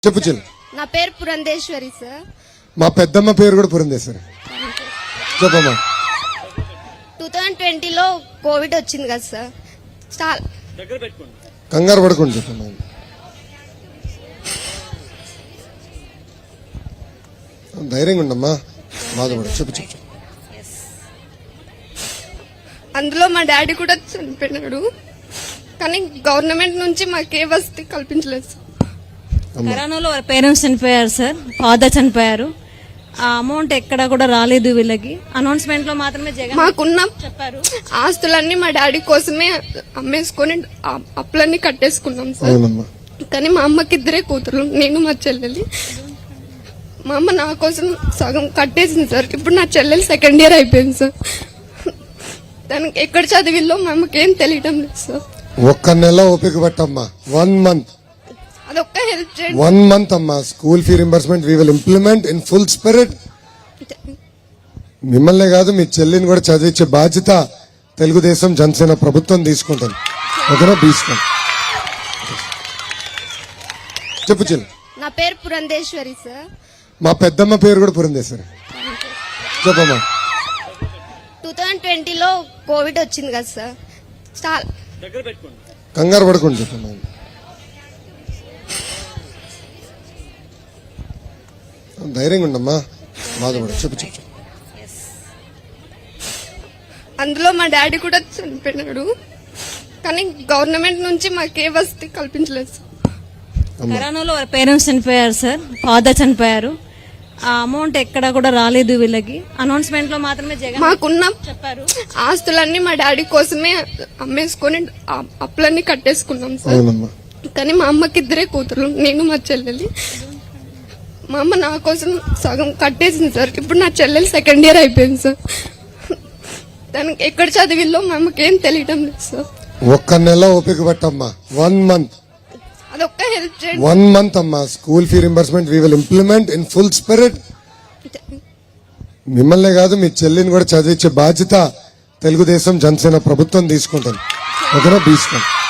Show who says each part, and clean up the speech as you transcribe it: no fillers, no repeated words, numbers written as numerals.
Speaker 1: చెప్పు చెల్లి.
Speaker 2: నా పేరు పురంధేశ్వరి సార్.
Speaker 1: మా పెద్దమ్మ పేరు కూడా పురంధేశ్వరి. చెప్పమ్మా.
Speaker 2: 2020లో కోవిడ్ వచ్చింది కదా సార్.
Speaker 1: కంగారు పడుకోండి చెప్పమ్మా. ధైర్యంగా ఉండమ్మా, బాధపడు. చెప్పు చెప్పు.
Speaker 2: అందులో మా డాడీ కూడా చనిపోయినాడు, కానీ గవర్నమెంట్ నుంచి మాకే వసతి కల్పించలేదు సార్.
Speaker 3: కరోనాలో పేరెంట్స్ చనిపోయారు సార్, ఫాదర్ చనిపోయారు. ఆ అమౌంట్ ఎక్కడ కూడా రాలేదు వీళ్ళకి. అనౌన్స్మెంట్ లో మాత్రమే జగన్
Speaker 2: మాకున్న
Speaker 3: చెప్పారు.
Speaker 2: ఆస్తులన్నీ మా డాడీ కోసమే అమ్మేసుకొని అప్పులన్నీ కట్టేసుకున్నాం సార్.
Speaker 1: అవునమ్మా.
Speaker 2: కానీ మా అమ్మకి ఇద్దరే కూతురు, నేను మా చెల్లెలి. మా అమ్మ నా కోసం సగం కట్టేసింది సార్. ఇప్పుడు నా చెల్లెలు సెకండ్ ఇయర్ అయిపోయింది సార్. దానికి ఎక్కడ చదివిల్లో మా అమ్మకి ఏం తెలియటం లేదు సార్.
Speaker 1: ఒక్క నెల ఓపిక పట్టమ్మా. 1 month.
Speaker 2: అదొక్క హెల్ప్ చేయండి.
Speaker 1: 1 month అమ్మా. School fee reimbursement we will implement in full spirit. మిమ్మల్నే కాదు, మీ చెల్లిని కూడా చదివించే బాధ్యత తెలుగుదేశం జనసేన ప్రభుత్వం తీసుకుంటుంది. ఓకేనా? తీసుకోండి. చెప్పు చెల్లి.
Speaker 2: నా పేరు పురంధేశ్వరి సార్.
Speaker 1: మా పెద్దమ్మ పేరు కూడా పురంధేశ్వరి. చెప్పమ్మా.
Speaker 2: 2020లో కోవిడ్ వచ్చింది కదా సార్.
Speaker 1: కంగారు పడుకోండి చెప్పమ్మా. ధైర్యంగా ఉండమ్మా, బాధపడు. చెప్పు చెప్పు.
Speaker 2: అందులో మా డాడీ కూడా చనిపోయినాడు, కానీ గవర్నమెంట్ నుంచి మాకే వసతి కల్పించలేదు సార్.
Speaker 3: కరోనాలో పేరెంట్స్ చనిపోయారు సార్, ఫాదర్ చనిపోయారు. ఆ అమౌంట్ ఎక్కడ కూడా రాలేదు వీళ్ళకి. అనౌన్స్మెంట్ లో మాత్రమే జగన్
Speaker 2: మాకున్న
Speaker 3: చెప్పారు.
Speaker 2: ఆస్తులన్నీ మా డాడీ కోసమే అమ్మేసుకొని అప్పులన్నీ కట్టేసుకున్నాం సార్.
Speaker 1: అవునమ్మా.
Speaker 2: కానీ మా అమ్మకి ఇద్దరే కూతురు, నేను మా చెల్లెలి. మా అమ్మ నా కోసం సగం కట్టేసింది సార్. ఇప్పుడు నా చెల్లెలు సెకండ్ ఇయర్ అయిపోయింది సార్. దానికి ఎక్కడ చదివిల్లో మా అమ్మకి ఏం తెలియటం లేదు సార్.
Speaker 1: ఒక్క నెల ఓపిక పట్టమ్మా. 1 month.
Speaker 2: అదొక్క హెల్ప్ చేయండి.
Speaker 1: 1 month అమ్మా. School fee reimbursement we will implement in full spirit. మిమ్మల్నే కాదు, మీ చెల్లిని కూడా చదివించే బాధ్యత తెలుగుదేశం జనసేన ప్రభుత్వం తీసుకుంటుంది. ఓకేనా? తీసుకోండి.